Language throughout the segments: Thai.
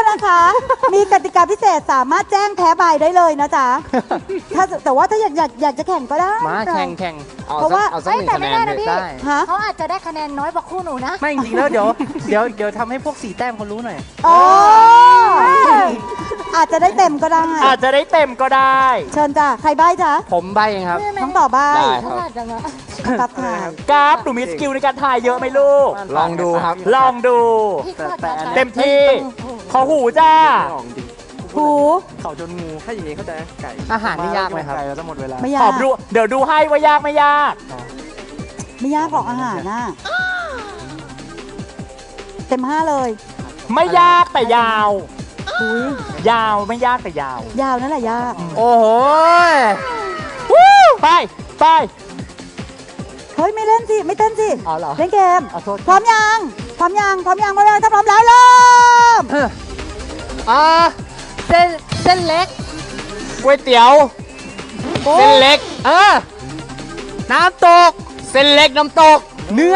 นะคะ มีกติกาพิเศษสามารถแจ้งแพ้บายได้เลยนะจ๊ะแต่ว่าถ้าอยากจะแข่งก็ได้มาแข่งเพราะว่าเอาสักหนึ่งคะแนนเลยได้ฮะเขาอาจจะได้คะแนนน้อยกว่าคู่หนูนะไม่จริงๆแล้วเดี๋ยวทำให้พวก4 แต้มเขารู้หน่อยอ๋ออาจจะได้เต็มก็ได้อาจจะได้เต็มก็ได้เชิญจ้ะใครใบ้จ๊ะผมใบเองครับน้องต่อใบ้ได้คเขารับอาจจะมาครับถ่ายกราฟหนูมีสกิลในการถ่ายเยอะไหมลูกลองดูครับลองดูพี่ก็อาจจะเต็มที่ ขอหูจ้าหูเขาจนงูถ้าอย่างนี้เขาใจไก่อาหารนี่ยากไหมครับไก่เราจะหมดเวลาไม่ยาขอก ดูเดี๋ยวดูให้ว่ายากไม่ยากไม่ยากหรอกอาหารน่ะเต็ม 5เลยไม่ยากแต่ยาวอุ้ยยาวไม่ยากแต่ยาวยาวนั่นแหละยากโอ้โหไปไปเฮ้ยไม่เล่นสิไม่เต้นสิอ๋อเหรอเล่นเกมขอโทษพร้อมยังพร้อมยังพร้อมยังพร้อมยังถ้าพร้อมแล้วเริ่มเส้นเล็กก๋วยเตี๋ยว เส้นเล็กน้ำตกเส้นเล็กน้ำตกเนื้อ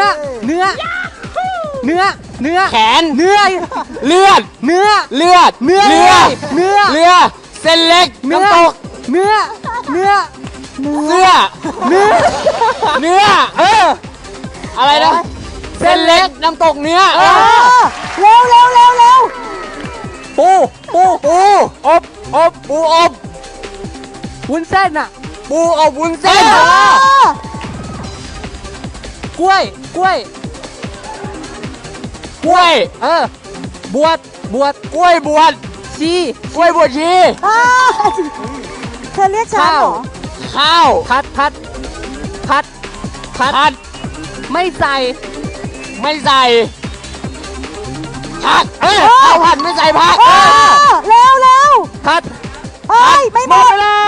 แขนเนื้อเลือดเนื้อเลือดเนื้อเรือเนื้อเรือเส้นเล็กเนื้อน้ำตกเนื้อเสื้อเนื้อเนื้ออะไรนะเส้นเล็กน้ำตกเนื้อเร็วเร็วเร็วเร็วปูอบปูอบวุ้นเส้นอ่ะปูอบวุ้นเส้นกล้วยกล้วยบวชกล้วยบวชชีกล้วยบวชชีเธอเรียกฉันเหรอข้าวพัดผัดไม่ใส่ไม่ใส่ผักข้าวผัดไม่ใส่ผักเร็วเร็วผัดเอ้ยไม่หหมมดดเวลา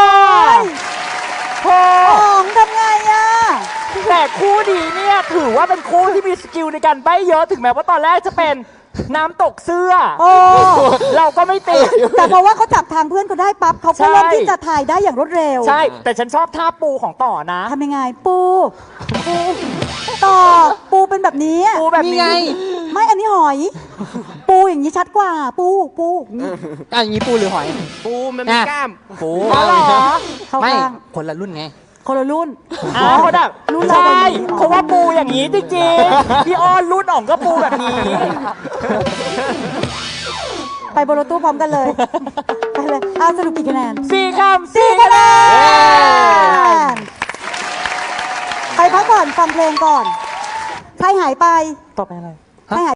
โอ้ของทำไงอ่ะแต่คู่ดีเนี่ยถือว่าเป็นคู่ที่มีสกิลในการใบ้เยอะถึงแม้ว่าตอนแรกจะเป็นน้ำตกเสื้อโอ้เราก็ไม่ติดแต่เพราะว่าเขาจับทางเพื่อนเขาได้ปั๊บเขาก็ใช่เริ่มที่จะถ่ายได้อย่างรวดเร็วใช่ แต่ฉันชอบท่าปูของต่อนะทำยังไงปูต่อปูเป็นแบบนี้ปูแบบนี่นี้ไงไม่อันนี้หอย ปูอย่างนี้ชัดกว่า ปูอย่างนี้อย่างนี้ปูหรือหอยปูมันมีกล้ามปูอ๋อเหรอเข้าไม่ข้างคนละรุ่นไงคนละรุ่นคนแบบรุ่นเราใช่แบบนี้อ๋อเพราะว่าปูอย่างนี้จริงๆพี่อ้อนรุ่นอ่องก็ปูแบบนี้ไปบนรถตู้พร้อมกันเลย ไปเลยเอาสรุปกี่คะแนน 4 คำ 4 คะแนนไปพักก่อนฟังเพลงก่อน ใครหายไปต่อไปอะไรใครหาย